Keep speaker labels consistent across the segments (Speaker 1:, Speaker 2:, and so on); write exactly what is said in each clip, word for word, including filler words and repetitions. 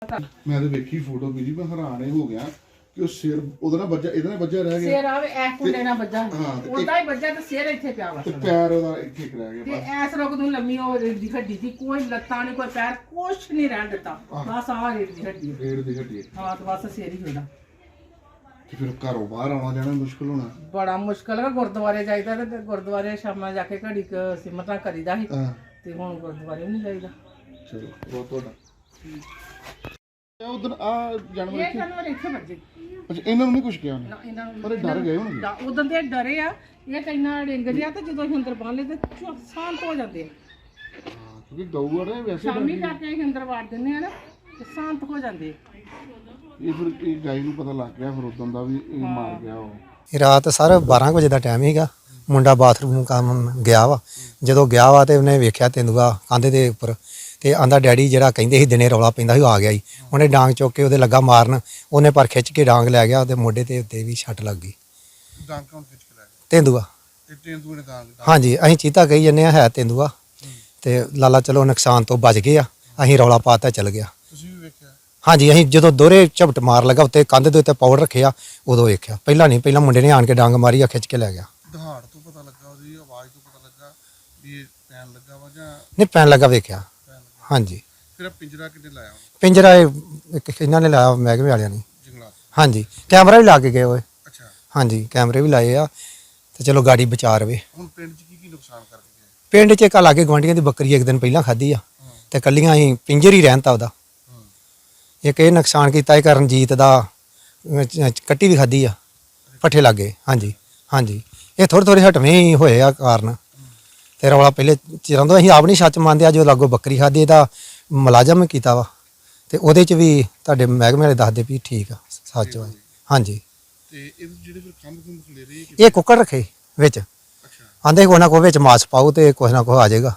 Speaker 1: ਮੈਂ ਤੇ ਵੇਖੀ ਫੋਟੋ ਵੀ ਜੀ ਮੈਂ ਹੈਰਾਨ ਹੀ ਹੋ ਗਿਆ ਕਿ ਉਹ ਸਿਰ ਉਹਦਾ ਨਾ ਵੱਜਾ ਇਹਦਾ ਨਾ ਵੱਜਾ ਰਹਿ ਗਿਆ
Speaker 2: ਸਿਰ ਆਵੇ ਐ ਕੁੰਡੇ ਨਾਲ ਵੱਜਾ ਉਹਦਾ ਹੀ ਵੱਜਾ ਤੇ ਸਿਰ ਇੱਥੇ ਪਿਆ ਵਾ
Speaker 1: ਤੇ ਪੈਰ ਉਹਦਾ ਇੱਥੇ ਇੱਕ ਰਹਿ
Speaker 2: ਤੇ
Speaker 1: ਗਿਆ
Speaker 2: ਐਸ ਰੋਕ ਨੂੰ ਲੰਮੀ ਉਹ ਰੇਡ ਦੀ ਹੱਡੀ ਸੀ ਕੋਈ ਲੱਤਾਂ ਨਹੀਂ ਕੋਈ ਪੈਰ ਕੁਛ ਨਹੀਂ ਰਹਿਣ ਦਿੱਤਾ ਬਸ ਆਹ ਰੇਡ ਦੀ ਹੱਡੀ
Speaker 1: ਰੇੜ ਦੀ ਹੱਡੀ
Speaker 2: ਹਾਂ ਤੇ ਬਸ ਸਿਰ ਹੀ ਹੋਣਾ
Speaker 1: ਤੇ ਫਿਰ ਘਰੋਂ ਬਾਹਰ ਆਉਣਾ ਜਾਣਾ ਮੁਸ਼ਕਲ ਹੋਣਾ
Speaker 2: ਬੜਾ ਮੁਸ਼ਕਲ ਹੈ ਗੁਰਦੁਆਰੇ ਜਾਈਦਾ ਤੇ ਗੁਰਦੁਆਰੇ ਸ਼ਾਮਾਂ ਜਾ ਕੇ ਘੜੀ ਕ ਸਿਮਰਤਾਂ ਕਰੀਦਾ ਸੀ
Speaker 1: ਹਾਂ
Speaker 2: ਤੇ ਹੁਣ ਗੁਰਦੁਆਰੇ ਵੀ ਨਹੀਂ ਜਾਈਦਾ
Speaker 1: ਚਲੋ ਬਹੁਤ ਤੁਹਾਡਾ ਉਧਰ ਆ ਜਾਨਵਰ
Speaker 2: ਇਹ ਜਾਨਵਰ ਇੱਥੇ ਵੱਜੇ
Speaker 1: ਅੱਛਾ ਇਹਨਾਂ ਨੂੰ ਨਹੀਂ ਕੁਝ ਕਿਹਾ ਉਹਨੇ
Speaker 2: ਨਾ ਇਹਨਾਂ ਨੂੰ
Speaker 1: ਪਰ ਇਹ ਡਰ ਗਏ ਹੋਣਗੇ
Speaker 2: ਉਦੋਂ ਦੇ ਡਰੇ ਆ ਇਹ ਕਈਨਾ ਡਿੰਗਦੇ ਆ ਤੇ ਜਦੋਂ ਅਸੀਂ ਅੰਦਰ ਬੰਨ ਲਏ ਤੇ ਚੁ- ਸ਼ਾਂਤ ਹੋ ਜਾਂਦੇ ਆ
Speaker 1: ਹਾਂ ਕਿਉਂਕਿ ਗਊ ਆ ਨਾ ਵੈਸੇ
Speaker 2: ਸ਼ਾਮੀ ਜਾ ਕੇ ਅਸੀਂ ਅੰਦਰ ਵਾੜ ਦਿੰਦੇ ਆ ਨਾ ਤੇ ਸ਼ਾਂਤ ਹੋ ਜਾਂਦੇ ਆ
Speaker 1: ਇਹ ਫਿਰ ਇਹ ਗਾਈ ਨੂੰ ਪਤਾ ਲੱਗ ਗਿਆ ਫਿਰ ਉਦੋਂ ਦਾ ਵੀ ਇਹ ਮਾਰ ਗਿਆ ਉਹ
Speaker 3: ਇਹ ਰਾਤ ਸਰ ਬਾਰਾਂ ਵਜੇ ਦਾ ਟਾਈਮ ਸੀਗਾ ਮੁੰਡਾ ਬਾਥਰੂਮ ਕੰਮ ਗਿਆ ਵਾ ਜਦੋਂ ਗਿਆ ਵਾ ਤੇ ਉਹਨੇ ਵੇਖਿਆ ਤੇਂਦੂਆ ਕੰਧ ਦੇ ਉੱਪਰ ਤੇ ਆਂਦਾ ਡੈਡੀ ਜਿਹੜਾ ਕਹਿੰਦੇ ਸੀ ਦਿਨੇ ਰੌਲਾ ਪੈਂਦਾ ਸੀ ਉਹ ਆ ਗਿਆ ਜੀ ਉਹਨੇ ਡਾਂਗ ਚੁੱਕ ਕੇ ਉਹਦੇ ਲੱਗਾ ਮਾਰਨ ਉਹਨੇ ਪਰ ਖਿੱਚ ਕੇ ਡਾਂਗ ਲੈ ਗਿਆ ਉਹਦੇ ਮੋਢੇ ਤੇ ਉੱਤੇ ਵੀ ਛੱਟ ਲੱਗ ਗਈ
Speaker 1: ਡਾਂਗ ਕੌਣ ਖਿੱਚ ਕੇ ਲੈ ਗਿਆ
Speaker 3: ਤੇਂਦੂਆ
Speaker 1: ਤੇ ਤੇਂਦੂਏ ਨੇ ਡਾਂਗ
Speaker 3: ਹਾਂਜੀ ਅਸੀਂ ਚੀਤਾ ਕਹੀ ਜੰਨੇ ਆ ਹੈ ਤੇਂਦੂਆ ਤੇ ਲਾਲਾ ਚਲੋ ਨੁਕਸਾਨ ਤੋਂ ਬਚ ਗਏ ਆ ਅਸੀਂ ਰੌਲਾ ਪਾਤਾ ਚੱਲ ਗਿਆ
Speaker 1: ਤੁਸੀਂ ਵੀ ਵੇਖਿਆ
Speaker 3: ਹਾਂਜੀ ਅਸੀਂ ਜਦੋਂ ਦੋਹਰੇ ਝਪਟ ਮਾਰ ਲਗਾ ਉੱਤੇ ਕੰਧ ਦੇ ਉੱਤੇ ਪਾਊਡਰ ਰੱਖਿਆ ਉਦੋਂ ਵੇਖਿਆ ਪਹਿਲਾਂ ਨਹੀਂ ਪਹਿਲਾਂ ਮੁੰਡੇ ਨੇ ਆਣ ਕੇ ਡਾਂਗ ਮਾਰੀ ਆ ਖਿੱਚ ਕੇ ਲੈ ਗਿਆ
Speaker 1: ਦਹਾੜ ਤੋਂ ਪਤਾ ਲੱਗਾ ਉਹਦੀ ਆਵਾਜ਼ ਤੋਂ ਪਤਾ ਲੱਗਾ ਵੀ ਇਹ ਪੈਣ ਲੱਗਾ ਵਾ ਜਾਂ
Speaker 3: ਨਹੀਂ ਪੈਣ ਲੱਗਾ ਵੇਖਿਆ
Speaker 1: ਪੈਣ ਲੱਗਾ
Speaker 3: ਹਾਂਜੀ
Speaker 1: ਫਿਰ ਪਿੰਜਰਾ ਕਿੱਥੇ ਲਾਇਆ ਉਹਨੇ
Speaker 3: ਪਿੰਜਰਾ ਇਹ ਇੱਕ ਇਹਨਾਂ ਨੇ ਲਾਇਆ ਮਹਿਕਮੇ ਵਾਲਿਆਂ ਨੇ
Speaker 1: ਜੰਗਲਾਤ
Speaker 3: ਹਾਂਜੀ ਕੈਮਰਾ ਵੀ ਲਾ ਕੇ ਗਏ ਓਏ
Speaker 1: ਅੱਛਾ
Speaker 3: ਹਾਂਜੀ ਕੈਮਰੇ ਵੀ ਲਾਏ ਆ ਤੇ ਚਲੋ ਗਾੜੀ ਬਚਾ ਰਵੇ
Speaker 1: ਹੁਣ ਪਿੰਡ 'ਚ ਕੀ ਕੀ ਨੁਕਸਾਨ ਕਰਕੇ ਗਏ
Speaker 3: ਪਿੰਡ 'ਚ ਇੱਕ ਲਾਗੇ ਗਵਾਂਢੀਆਂ ਦੀ ਬੱਕਰੀ ਇੱਕ ਦਿਨ ਪਹਿਲਾਂ ਖਾਧੀ ਆ ਤੇ ਕੱਲੀਆਂ ਹੀ ਪਿੰਜਰ ਹੀ ਰਹਿਣ ਤਾ ਉਹਦਾ ਇੱਕ ਇਹ ਨੁਕਸਾਨ ਕੀਤਾ ਇਹ ਕਰਨਜੀਤ ਦਾ ਅਹ, ਚ- ਕੱਟੀ ਵੀ ਖਾਧੀ ਆ ਪੱਠੇ ਲੱਗੇ ਹਾਂਜੀ ਹਾਂਜੀ ਇਹ ਥੋੜ੍ਹੇ ਥੋੜ੍ਹੇ ਹਟਵੇਂ ਹੀ ਹੋਏ ਆ ਕਾਰਨ ਤੇ ਰੌਲਾ ਪਹਿਲੇ ਚਿਰਾਂ ਤੋਂ ਅਸੀਂ ਆਪ ਨਹੀਂ ਸੱਚ ਮੰਨਦੇ ਆ ਜੋ ਲਾਗੋ ਬੱਕਰੀ ਖਾਧੀ ਇਹਦਾ ਮੁਲਾਜ਼ਮ ਕੀਤਾ ਵਾ ਤੇ ਉਹਦੇ 'ਚ ਵੀ ਤੁਹਾਡੇ ਮਹਿਕਮੇ ਵਾਲੇ ਦੱਸਦੇ ਵੀ ਠੀਕ ਆ ਸੱਚ ਵਾ ਹਾਂਜੀ
Speaker 1: ਤੇ ਇਹ ਜਿਹੜੇ ਫਿਰ ਖੰਭ ਖੁੰਭ ਖਲੇ ਰਹੇ
Speaker 3: ਇਹ ਕੁੱਕੜ ਰੱਖੇ ਵਿੱਚ
Speaker 1: ਅੱਛਾ
Speaker 3: ਆਂਦੇ ਕੋਈ ਨਾ ਕੋਈ ਵਿੱਚ ਮਾਸ ਪਾਓ ਤੇ ਕੁਛ ਨਾ ਕੁਛ ਆ ਜਾਏਗਾ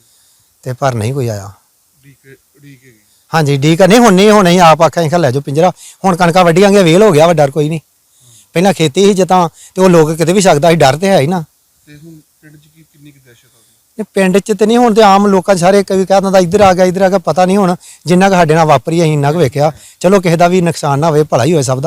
Speaker 3: ਤੇ ਪਰ ਨਹੀਂ ਕੋਈ ਆਇਆ
Speaker 1: ਡੀਕ ਡੀਕ ਹੈਗੀ
Speaker 3: ਹਾਂਜੀ ਠੀਕ ਆ ਨਹੀਂ ਹੁਣ ਨਹੀਂ ਹੁਣ ਅਸੀਂ ਆਪ ਆਖਿਆ ਅਸੀਂ ਲੈ ਜਾਓ ਪਿੰਜਰਾ ਹੁਣ ਕਣਕਾਂ ਵੱਢੀਆਂਗੇ ਵੇਲ ਹੋ ਗਿਆ ਵਾ ਡਰ ਕੋਈ ਨਹੀਂ ਪਹਿਲਾਂ ਖੇਤੀ ਸੀ ਜਦਾਂ ਤੇ ਉਹ ਲੋਕ ਕਿਤੇ ਵੀ ਸਕਦਾ ਸੀ ਡਰ ਤੇ ਹੈ ਹੀ ਨਾ
Speaker 1: ਤੇ ਹੁਣ ਪਿੰਡ 'ਚ ਕੀ ਕਿੰਨੀ ਕੁ ਦਹਿਸ਼ਤ ਆ ਉਹਦੀ
Speaker 3: ਇਹ ਪਿੰਡ 'ਚ ਤੇ ਨਹੀਂ ਹੁਣ ਤੇ ਆਮ ਲੋਕਾਂ 'ਚ ਸਾਰੇ ਕਈ ਕਹਿ ਦਿੰਦਾ ਇੱਧਰ ਆ ਗਿਆ ਇੱਧਰ ਆ ਗਿਆ ਪਤਾ ਨਹੀਂ ਹੁਣ ਜਿੰਨਾ ਕੁ ਸਾਡੇ ਨਾਲ ਵਾਪਰੀ ਅਸੀਂ ਇੰਨਾ ਕੁ ਵੇਖਿਆ ਚਲੋ ਕਿਸੇ ਦਾ ਵੀ ਨੁਕਸਾਨ ਨਾ ਹੋਵੇ ਭਲਾ ਹੀ ਹੋਏ ਸਭ ਦਾ